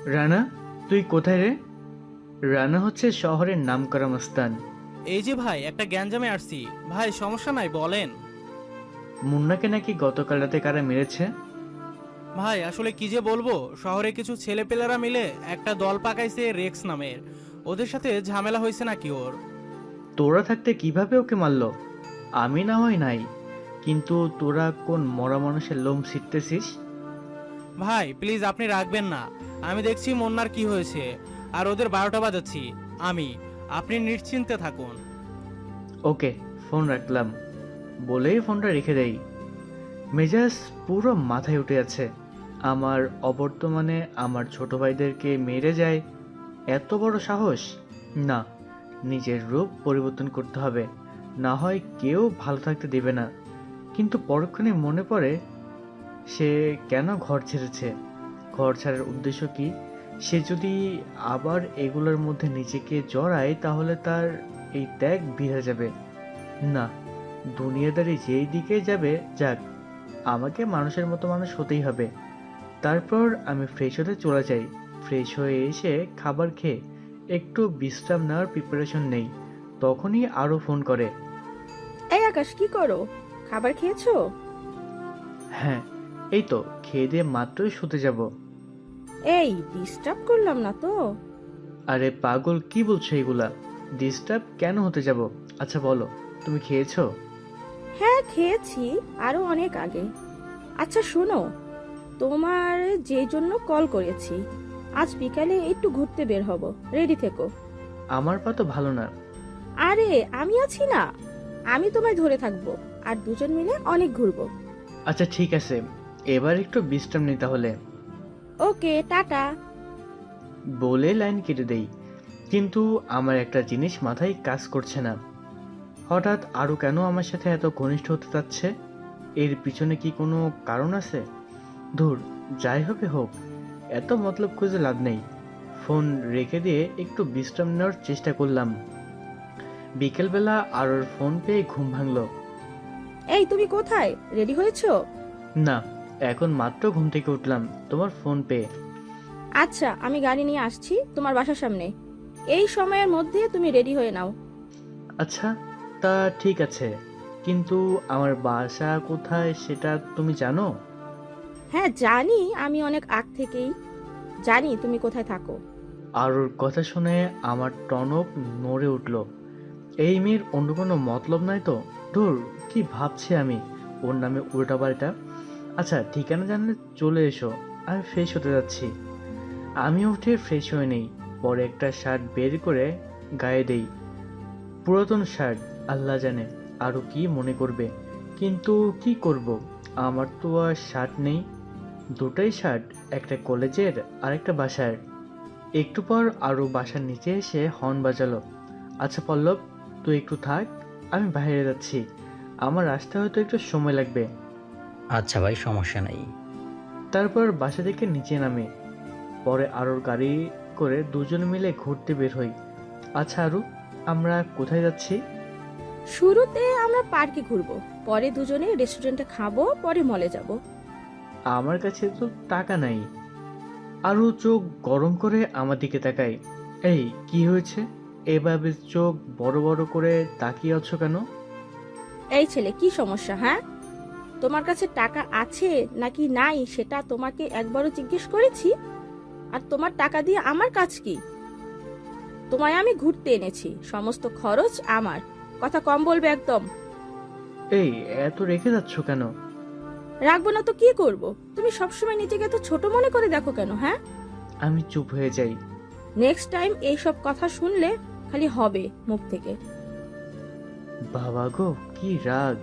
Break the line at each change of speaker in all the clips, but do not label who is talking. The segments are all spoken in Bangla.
রানা, তুই কোথায় রে? রানা হচ্ছে শহরের নামকরা মস্তান।
এই যে ভাই, একটা গ্যাঞ্জামে আসছি। ভাই সমস্যা নাই, বলেন।
মুন্নাকে নাকি গতকাল রাতে কারা মেরেছে?
ভাই আসলে কি যে বলবো, শহরে কিছু ছেলেপেলেরা মিলে একটা দল পাকাইছে রেক্স নামের। ওদের সাথে ঝামেলা হয়েছে নাকি ওর।
তোরা থাকতে কিভাবে ওকে মারলো? আমি না হয় নাই, কিন্তু তোরা কোন মরা মানুষের লোম ছিটতেছিস?
ভাই প্লিজ আপনি রাখবেন না। আমি দেখছি মন্নার কি হয়েছে, আর ওদের 12টা বাজাচ্ছি আমি। আপনি নিশ্চিন্তে থাকুন।
ওকে, ফোন রাখলাম বলেই ফোনটা রেখে দেই। মেজাজ পুরো মাথায় উঠে আছে। আমার অবর্তমানে আমার ছোট ভাইদেরকে মেরে যায়, এত বড় সাহস! না, নিজের রূপ পরিবর্তন করতে হবে, না হয় কেউ ভালো থাকতে দেবে না। কিন্তু পরক্ষণে মনে পড়ে, সে কেন ঘর ছেড়েছে? ঘর ছাড়ার উদ্দেশ্য কি? সে যদি আবার এগুলোর মধ্যে নিজেকে জড়ায় তাহলে তার এই ত্যাগ বৃথা যাবে। না, দুনিয়াদারি যেই দিকে যাবে যাক, আমাকে মানুষের মতো মানুষ হতেই হবে। তারপর আমি ফ্রেশ হতে চলে যাই। ফ্রেশ হয়ে এসে খাবার খেয়ে একটু বিশ্রাম নেওয়ার প্রিপারেশন নেই, তখনই আরও ফোন করে।
এই আকাশ, কি করো? খাবার খেয়েছো?
হ্যাঁ, এই তো খেয়ে দিয়ে মাত্রই শুতে যাব।
এই, ডিস্টার্ব করলাম না তো?
আরে পাগল, কি বলছো এগুলা? ডিস্টার্ব কেন হতে যাব? আচ্ছা বলো, তুমি খেয়েছো?
হ্যাঁ খেয়েছি, আরো অনেক আগে। আচ্ছা শোনো, তোমার যে জন্য কল করেছি, আজ বিকালে একটু ঘুরতে বের হব, রেডি থেকো।
আমার পা তো ভালো না।
আরে আমি আছি না, আমি তোমায় ধরে থাকবো, আর দুজন মিলে অনেক ঘুরবো।
আচ্ছা ঠিক আছে, এবার একটু বিশ্রাম নিই তাহলে।
ওকে, টাটা।
বলে লাইন কেটে দেই। কিন্তু আমার একটা জিনিস মাথায় কাজ করছে না। হঠাৎ আরও কেন আমার সাথে এত ঘনিষ্ঠ হতে চাচ্ছে? এর পিছনে কি কোনো কারণ আছে? ধুর, যাই হবে হোক, এত মতলব খুঁজে লাভ নেই। ফোন রেখে দিয়ে একটু বিশ্রাম নেওয়ার চেষ্টা করলাম। বিকেলবেলা আরোর ফোন পেয়ে ঘুম ভাঙলো।
এই তুমি কোথায়? রেডি হয়েছো?
না, এখন মাত্র ঘুম থেকে উঠলাম তোমার ফোন পেয়ে।
আচ্ছা, আমি গাড়ি নিয়ে আসছি তোমার বাসার সামনে। এই সময়ের মধ্যে তুমি রেডি হয়ে নাও।
আচ্ছা, তা ঠিক আছে, কিন্তু আমার বাসা কোথায় সেটা তুমি জানো?
হ্যাঁ জানি, আমি অনেক আগ থেকেই জানি তুমি কোথায় থাকো।
আরোর কথা শুনে আমার টনক নড়ে উঠল। এই মেয়ের অন্য কোনো মতলব নাই তো? ধুর, কি ভাবছি আমি ওর নামে উল্টাপাল্টা। আচ্ছা, ঠিকানা জানলে চলে এসো, আমি ফ্রেশ হতে যাচ্ছি। আমি উঠে ফ্রেশ হয়ে নেই, পরে একটা শার্ট বের করে গায়ে দেই। পুরাতন শার্ট, আল্লাহ জানে আরও কি মনে করবে। কিন্তু কি করব, আমার তো আর শার্ট নেই। দুটাই শার্ট, একটা কলেজের আর একটা বাসার। একটু পর আরও বাসার নিচে এসে হর্ন বাজালো। আচ্ছা পল্লব, তুই একটু থাক, আমি বাইরে যাচ্ছি, আমার আসতে হয়তো একটু সময় লাগবে।
আচ্ছা ভাই, সমস্যা নাই।
তারপর বাসা থেকে নিচে নামে, পরে আরোর গাড়ি করে দুজন মিলে ঘুরতে বের হই। আচ্ছা আরু, আমরা কোথায় যাচ্ছি?
শুরুতে আমরা পার্কে ঘুরবো, পরে দুজনে রেস্টুরেন্টে খাবো, পরে মলে যাব।
আমার কাছে তো টাকা নাই। আরু চোখ গরম করে আমার দিকে তাকায়। এই কি হয়েছে? এভাবে চোখ বড় বড় করে তাকিয়ে আছো কেন?
এই ছেলে, কি সমস্যা হ্যাঁ? তোমার কাছে টাকা আছে নাকি নাই সেটা তোমাকে একবারও জিজ্ঞেস করেছি? আর তোমার টাকা দিয়ে আমার কাজ কি? তোমায় আমি ঘুরতে এনেছি, সমস্ত খরচ আমার। কথা কম বলবে একদম।
এই এত রেখে যাচ্ছ কেন?
রাখবো না তো কি করব? তুমি সবসময় নিজেকে তো ছোট মনে করে দেখো কেন, হ্যাঁ?
আমি চুপ হয়ে যাই।
নেক্সট টাইম এইসব কথা শুনলে খালি হবে মুখ থেকে।
বাবা গো, কি রাগ!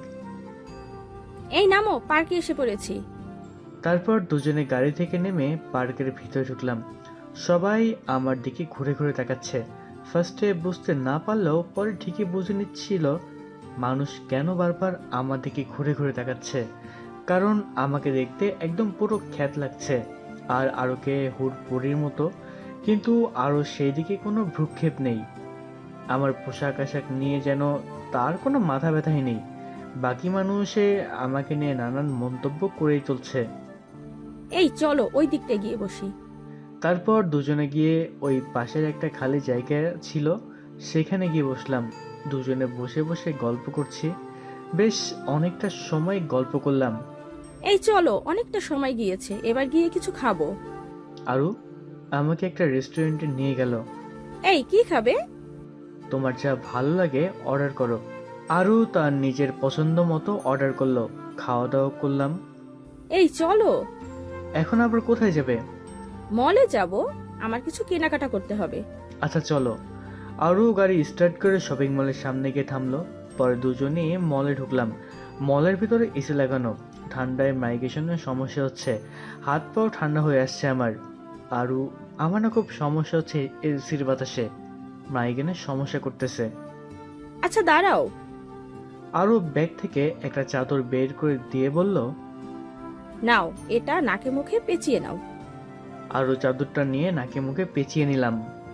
এই নামো, পার্কে এসে পড়েছি।
তারপর দুজনে গাড়ি থেকে নেমে পার্কের ভিতরে ঢুকলাম। সবাই আমার দিকে ঘুরে ঘুরে তাকাচ্ছে। ফার্স্টে বুঝতে না পারলেও পরে ঠিকই বুঝে নিচ্ছিল মানুষ কেন বারবার আমার দিকে ঘুরে ঘুরে তাকাচ্ছে। কারণ আমাকে দেখতে একদম পুরো খ্যাত লাগছে, আর আরোকে হুড়পুরির মতো। কিন্তু আরও সেই দিকে কোনো ভ্রুক্ষেপ নেই। আমার পোশাক আশাক নিয়ে যেন তার কোনো মাথা ব্যথাই নেই। বাকি মানুষে আমাকে নিয়ে নানান মন্তব্য করেই চলছে।
এই চলো ওই দিকটা গিয়ে বসি।
তারপর দুজনে গিয়ে ওই পাশের একটা খালি জায়গা ছিল, সেখানে গিয়ে বসলাম। দুজনে বসে বসে গল্প করছি। বেশ অনেকটা সময় গল্প করলাম।
এই চলো, অনেকটা সময় গিয়েছে, এবার গিয়ে কিছু খাবো।
আরু আমাকে একটা রেস্টুরেন্টে নিয়ে গেল।
এই কি খাবে?
তোমার যা ভালো লাগে অর্ডার করো। আরু তার নিজের পছন্দ মতো অর্ডার করলো। খাওয়া দাওয়া করলাম।
এই চলো।
এখন আবার কোথায় যাবে?
মলে যাব, আমার কিছু কেনাকাটা করতে হবে।
আচ্ছা চলো। আরও গাড়ি স্টার্ট করে শপিং মলের সামনে গিয়ে থামলো। পরে দুজনে মলে ঢুকলাম। মলের ভিতরে এসি লাগানো। ঠান্ডায় মাইগ্রেশনের সমস্যা হচ্ছে, হাত পাও ঠান্ডা হয়ে আসছে আমার। আরও আমার না খুব সমস্যা হচ্ছে এসির বাতাসে, মাইগ্রেনের সমস্যা করতেছে।
আচ্ছা দাঁড়াও।
আরও ব্যাগ থেকে একটা চাদর বের করে দিয়ে বলল,
নাও, এটা নাকে মুখে পেঁচিয়ে নাও।
আরও চাদরটা নিয়ে নাকে মুখে পেঁচিয়ে নিলাম।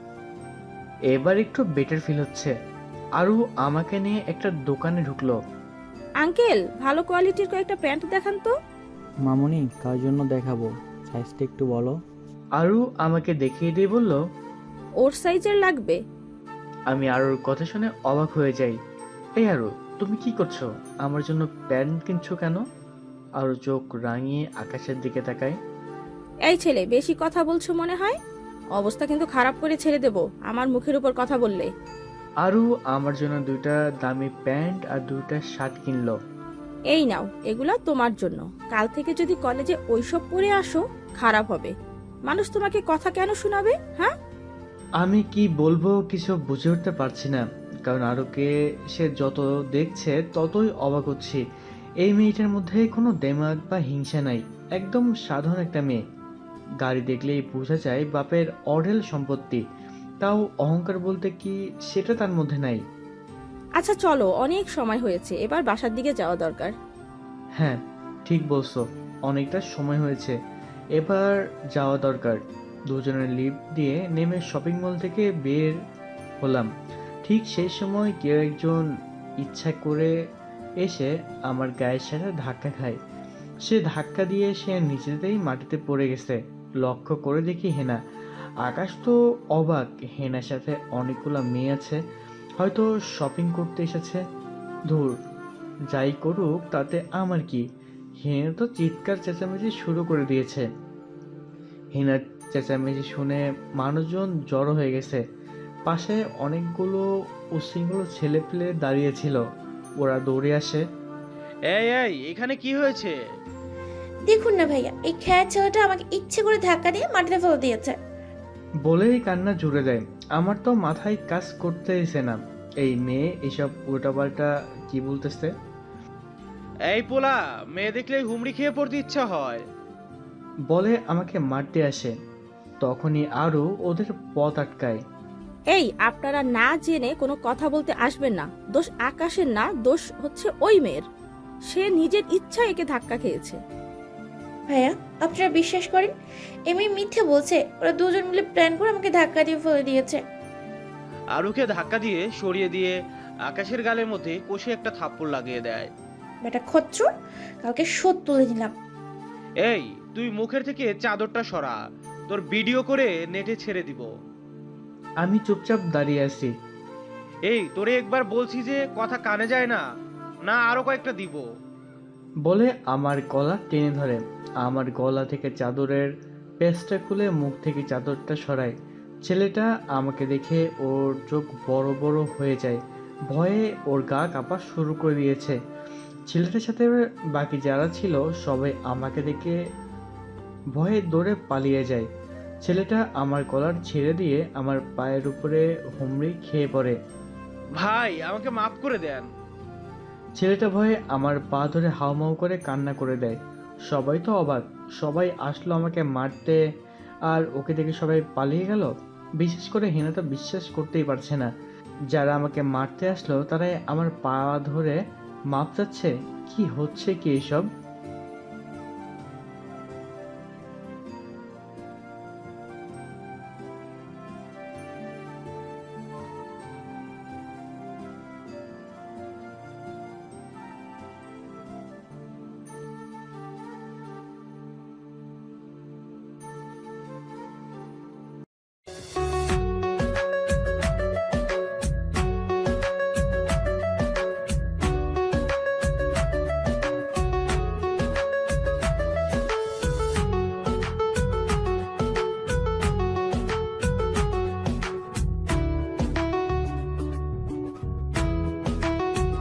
এবার একটু বেটার ফিল হচ্ছে। আরও আমাকে নিয়ে একটা দোকানে ঢুকলো।
আঙ্কেল, ভালো কোয়ালিটির কয়েকটা প্যান্ট দেখান তো।
মামুনি, কার জন্য দেখাবো? সাইজটা একটু বলো।
আরও আমাকে দেখিয়ে দিয়ে বলল।
ওর সাইজের লাগবে।
আমি আরুর কথা শুনে অবাক হয়ে যাই। এই আরু, তুমি কি করছো? আমার জন্য প্যান্ট কিনছো কেন? আরু চোখ রাঙিয়ে আকাশের দিকে তাকায়।
এই ছেলে, বেশি কথা বলছো মনে হয়। অবস্থা কিন্তু খারাপ করে ছেড়ে দেব আমার মুখের উপর কথা বললে।
আরু আমার জন্য দুইটা দামি প্যান্ট আর দুইটা শার্ট কিনলো।
এই নাও, এগুলা তোমার জন্য। কাল থেকে যদি কলেজে ওইসব পরে আসো, খারাপ হবে। মানুষ তোমাকে কথা কেন শোনাবে? হ্যাঁ,
আমি কি বলবো কিছু বুঝে উঠতে পারছি না, কারণ আরুকে সে যত দেখছে ততই অবাক হচ্ছি। এই মেয়েটার মধ্যে কোনো দেমাগ বা হিংসা নাই, একদম সাধারণ একটা মেয়ে। গাড়ি দেখলেই বোঝা যায় বাপের অঢেল সম্পত্তি, তাও অহংকার বলতে কি সেটা তার মধ্যে নাই।
আচ্ছা চলো, অনেক সময় হয়েছে, এবার বাসার দিকে যাওয়া দরকার।
হ্যাঁ, ঠিক বলছো, অনেকটা সময় হয়েছে, এবার যাওয়া দরকার। দুজনের লিফট দিয়ে নেমে শপিং মল থেকে বের হলাম। ঠিক সেই সময় কেউ একজন ইচ্ছা করে এসে আমার গায়ের সাথে ধাক্কা খায়। সে ধাক্কা দিয়ে সে নিজেতেই মাটিতে পড়ে গেছে। লক্ষ্য করে দেখি হেনা। আকাশ তো অবাক, হেনার সাথে অনেকগুলো মেয়ে আছে, হয়তো শপিং করতে এসেছে। ধুর, যাই করুক তাতে আমার কি। হেনা তো চিৎকার চেঁচামেচি শুরু করে দিয়েছে। হেনার চেঁচামেচি শুনে মানুষজন জড়ো হয়ে গেছে। পাশে অনেকগুলো উশৃঙ্খল ছেলেপেলে দাঁড়িয়েছিল, ওরা দৌড়ে আসে।
এই এই, এখানে কি হয়েছে?
দেখুন না ভাইয়া, এই খ্যাত ছেলেটা আমাকে ইচ্ছে করে ধাক্কা দিয়ে মাটিতে ফেলে দিয়েছে।
বলেই কান্না জুড়ে দেয়। আমার তো মাথায় কাজ করতেইছে না, এই মেয়ে এসব উল্টাপাল্টা কি বলতেছে।
এই পোলা, মেয়ে দেখলে হুমড়ি খেয়ে পড়তে ইচ্ছা হয়।
বলে আমাকে মারতে আসে। তখনই আরও ওদের পথ আটকায়।
এই, আপনারা না জেনে কোনো কথা বলতে আসবেন না। দোষ আকাশের না, দোষ হচ্ছে ওই মেয়ের। সে নিজের ইচ্ছা একে ধাক্কা খেয়েছে।
ভাইয়া, আপনারা বিশ্বাস করেন, এমনি মিথ্যে বলছে। ওরা দুজন মিলে প্ল্যান করে আমাকে ধাক্কা দিয়ে ফেলে দিয়েছে।
আরুকে ধাক্কা দিয়ে সরিয়ে দিয়ে আকাশের গালের মধ্যে কষে একটা থাপ্পড় লাগিয়ে দেয়।
বেটা খচ্চর, কালকে শোধ তুলে নিলাম।
এই, তুই মুখের থেকে চাদরটা সরা, তোর ভিডিও করে নেটে ছেড়ে দিব।
আমি চুপচাপ দাঁড়িয়ে আছি।
এই, তোরে একবার বলছি যে কথা কানে যায় না, না আরো কয়েকটা দিব।
বলে আমার গলা টেনে ধরে। আমার গলা থেকে চাদরের পেঁচটা খুলে মুখ থেকে চাদরটা সরায়। ছেলেটা আমাকে দেখে ওর চোখ বড় বড় হয়ে যায়। ভয়ে ওর গা কাঁপা শুরু করে দিয়েছে। ছেলেটার সাথে বাকি যারা ছিল সবাই আমাকে দেখে ভয়ে দৌড়ে পালিয়ে যায়। ছেলেটা আমার কলার ছেড়ে দিয়ে আমার পায়ের উপরে হুমড়ি খেয়ে পড়ে।
ভাই, আমাকে মাফ করে দেন।
ছেলেটা ভয়ে আমার পা ধরে হাউমাউ করে কান্না করে দেয়। সবাই তো অবাক, সবাই আসলো আমাকে মারতে, আর ওকে দেখে সবাই পালিয়ে গেল। বিশেষ করে হেনা তো বিশ্বাস করতেই পারছে না। যারা আমাকে মারতে আসলো তারাই আমার পা ধরে মাপ চাচ্ছে। কি হচ্ছে কি এসব?